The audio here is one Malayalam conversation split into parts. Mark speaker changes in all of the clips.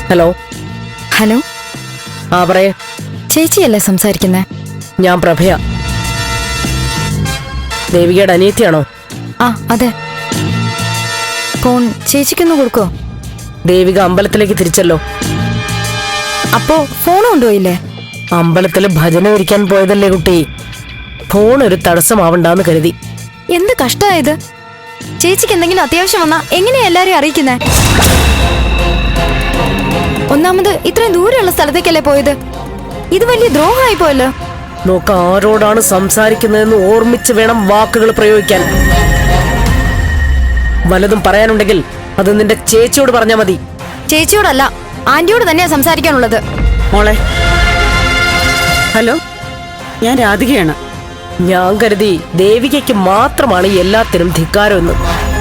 Speaker 1: ഹലോ.
Speaker 2: ഹലോ.
Speaker 1: ആ പറയേ.
Speaker 2: ചേച്ചിയല്ലേ സംസാരിക്കുന്നേ?
Speaker 1: ഞാൻ പ്രഭയ. ദേവികയുടെ അനിയത്തിയാണോ?
Speaker 2: ആ അതെ. ഫോൺ ചേച്ചിക്കൊന്ന് കൊടുക്കോ?
Speaker 1: ദേവിക അമ്പലത്തിലേക്ക് തിരിച്ചല്ലോ.
Speaker 2: അപ്പോ ഫോൺ കൊണ്ടുപോയില്ലേ?
Speaker 1: അമ്പലത്തില് ഭജന ഇരിക്കാൻ പോയതല്ലേ കുട്ടി. ഫോൺ ഒരു തടസ്സമാവണ്ടെന്ന് കരുതി.
Speaker 2: എന്ത് കഷ്ടായത്. ചേച്ചിക്ക് എന്തെങ്കിലും അത്യാവശ്യം വന്നാ എങ്ങനെയാ എല്ലാരെയും അറിയിക്കുന്നേ? ഒന്നാമത് ഇത്രയും ദൂരെയുള്ള സ്ഥലത്തേക്കല്ലേ പോയത്. ഇത് വലിയ ദ്രോഹമായി പോയല്ലോ.
Speaker 1: നോക്ക, ആരോടാണ് സംസാരിക്കുന്നതെന്ന് ഓർമ്മിച്ച് വേണം വാക്കുകൾ പ്രയോഗിക്കാൻ. വല്ലതും പറയാനുണ്ടെങ്കിൽ അത് നിന്റെ ചേച്ചിയോട് പറഞ്ഞാ മതി.
Speaker 2: ചേച്ചിയോടല്ല, ആന്റിയോട് തന്നെയാ സംസാരിക്കാനുള്ളത്.
Speaker 3: മോളെ. ഹലോ, ഞാൻ രാധികയാണ്.
Speaker 1: ഞാൻ കരുതി ദേവികയ്ക്ക് മാത്രമാണ് എല്ലാത്തിനും ധിക്കാരമെന്ന്.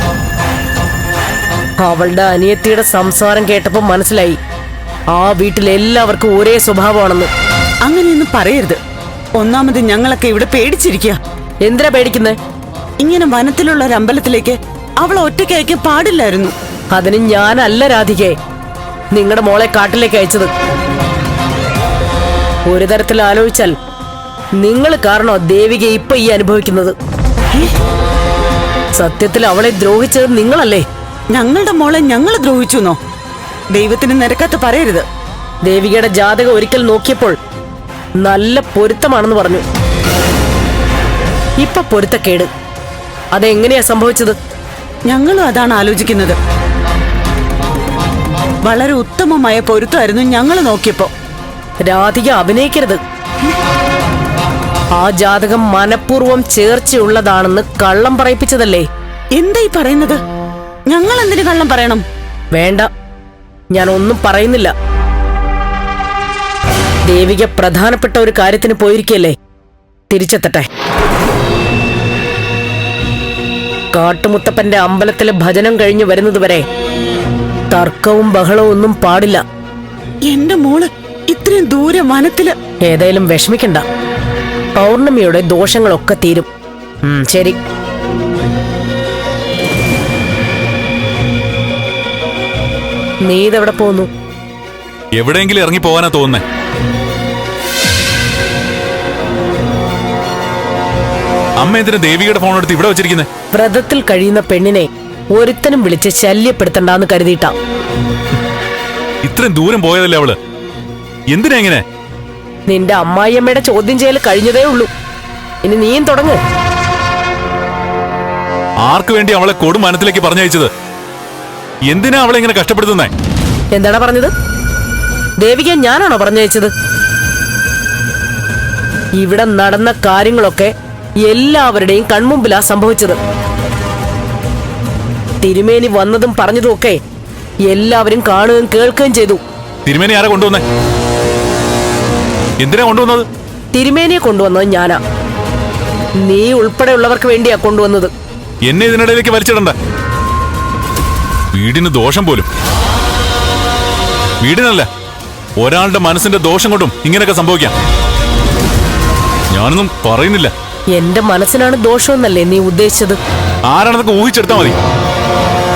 Speaker 1: അവളുടെ അനിയത്തിയുടെ സംസാരം കേട്ടപ്പോ മനസ്സിലായി ആ വീട്ടിലെല്ലാവർക്കും ഒരേ സ്വഭാവമാണെന്ന്.
Speaker 3: അങ്ങനെയൊന്നും പറയരുത്. ഒന്നാമത് ഞങ്ങളൊക്കെ ഇവിടെ പേടിച്ചിരിക്കുക.
Speaker 1: എന്തിനാ പേടിക്കുന്നേ?
Speaker 3: ഇങ്ങനെ വനത്തിലുള്ള ഒരു അമ്പലത്തിലേക്ക് അവളെ ഒറ്റയ്ക്ക് അയക്കാൻ പാടില്ലായിരുന്നു.
Speaker 1: അതിന് ഞാനല്ല രാധികയെ നിങ്ങളുടെ മോളെ കാട്ടിലേക്ക് അയച്ചത്. ഒരു തരത്തിൽ ആലോചിച്ചാൽ നിങ്ങൾ കാരണോ ദേവിക ഇപ്പൊ ഈ അനുഭവിക്കുന്നത്. സത്യത്തിൽ അവളെ ദ്രോഹിച്ചത് നിങ്ങളല്ലേ?
Speaker 3: ഞങ്ങളുടെ മോളെ ഞങ്ങൾ ദ്രോഹിച്ചുന്നോ? ദൈവത്തിന് നിരക്കാത്ത പറയരുത്.
Speaker 1: ദേവികയുടെ ജാതകം ഒരിക്കൽ നോക്കിയപ്പോൾ നല്ല പൊരുത്തമാണെന്ന് പറഞ്ഞു. ഇപ്പൊ പൊരുത്തക്കേട്. അതെങ്ങനെയാ സംഭവിച്ചത്?
Speaker 3: ഞങ്ങളും അതാണ് ആലോചിക്കുന്നത്. വളരെ ഉത്തമമായ പൊരുത്തമായിരുന്നു ഞങ്ങൾ നോക്കിയപ്പോ.
Speaker 1: രാധിക അഭിനയിക്കരുത്. ആ ജാതകം മനഃപൂർവ്വം ചേർച്ചയുള്ളതാണെന്ന് കള്ളം പറയിപ്പിച്ചതല്ലേ?
Speaker 3: എന്തായി പറയുന്നത്? ഞങ്ങൾ എന്തിനു കള്ളം പറയണം?
Speaker 1: വേണ്ട, ഞാൻ ഒന്നും പറയുന്നില്ല. ദേവിക പ്രധാനപ്പെട്ട ഒരു കാര്യത്തിന് പോയിരിക്കല്ലേ. തിരിച്ചെത്തട്ടെ. കാട്ടുമുത്തപ്പന്റെ അമ്പലത്തിലെ ഭജനം കഴിഞ്ഞു വരുന്നതുവരെ തർക്കവും ബഹളവും ഒന്നും പാടില്ല.
Speaker 3: എന്റെ മോള് ഇത്രയും ദൂരെ വനത്തില്.
Speaker 1: ഏതായാലും വിഷമിക്കണ്ട. പൗർണമിയുടെ ദോഷങ്ങളൊക്കെ തീരും. ശരി. നീ ഇതെവിടെ പോകുന്നു?
Speaker 4: എവിടെയെങ്കിലും ഇറങ്ങി പോകാനാ തോന്നുന്നേ. അമ്മ എന്തിനാ ദേവികയുടെ ഫോൺ എടുത്ത് ഇവിടെ വെച്ചിരിക്കുന്നേ?
Speaker 1: വ്രതത്തിൽ കഴിയുന്ന പെണ്ണിനെ ഒരുത്തനും വിളിച്ച് ശല്യപ്പെടുത്തണ്ടെന്ന് കരുതിയിട്ടാ.
Speaker 4: ഇത്രയും ദൂരം പോയതല്ലേ അവള്. എന്തിനാ ഇങ്ങനെ?
Speaker 1: നിന്റെ അമ്മായിയമ്മയുടെ ചോദ്യം ചെയ്യൽ കഴിഞ്ഞതേ ഉള്ളൂ. ഇനി നീയും തുടങ്ങ്.
Speaker 4: ആർക്കു വേണ്ടി അവളെ കൊടും മനത്തിലേക്ക് പറഞ്ഞയച്ചത്? എന്തിനാ അവളെ ഇങ്ങനെ കഷ്ടപ്പെടുത്തുന്നേ?
Speaker 1: എന്താണ് പറഞ്ഞത്? ദേവിക ഞാനാണോ പറഞ്ഞയച്ചത്? ഇവിടെ നടന്ന കാര്യങ്ങളൊക്കെ എല്ലാവരുടെയും കൺമുമ്പിലാ സംഭവിച്ചത്. തിരുമേനി വന്നതും പറഞ്ഞതും ഒക്കെ എല്ലാവരും കാണുകയും കേൾക്കുകയും ചെയ്തു.
Speaker 4: തിരുമേനി ആരാ കൊണ്ടുവന്നേ? എന്തിനാ കൊണ്ടുവന്നത്?
Speaker 1: തിരുമേനിയെ കൊണ്ടുവന്നത് ഞാനാ. നീ ഉൾപ്പെടെയുള്ളവർക്ക് വേണ്ടിയാ കൊണ്ടുവന്നത്.
Speaker 4: എന്നെ ഇതിനിടയിലേക്ക് വലിച്ചിടണ്ട. വീടിന് ദോഷം പോലും. വീടിനല്ല, ഒരാളുടെ മനസ്സിന്റെ ദോഷം കൊണ്ടും ഇങ്ങനെയൊക്കെ സംഭവിക്കാം. ഞാനൊന്നും പറയുന്നില്ല.
Speaker 1: എന്റെ മനസ്സിനാണ് ദോഷമെന്നല്ലേ നീ ഉദ്ദേശിച്ചത്?
Speaker 4: ആരാണെന്നൊക്കെ ഊഹിച്ചെടുത്താ മതി.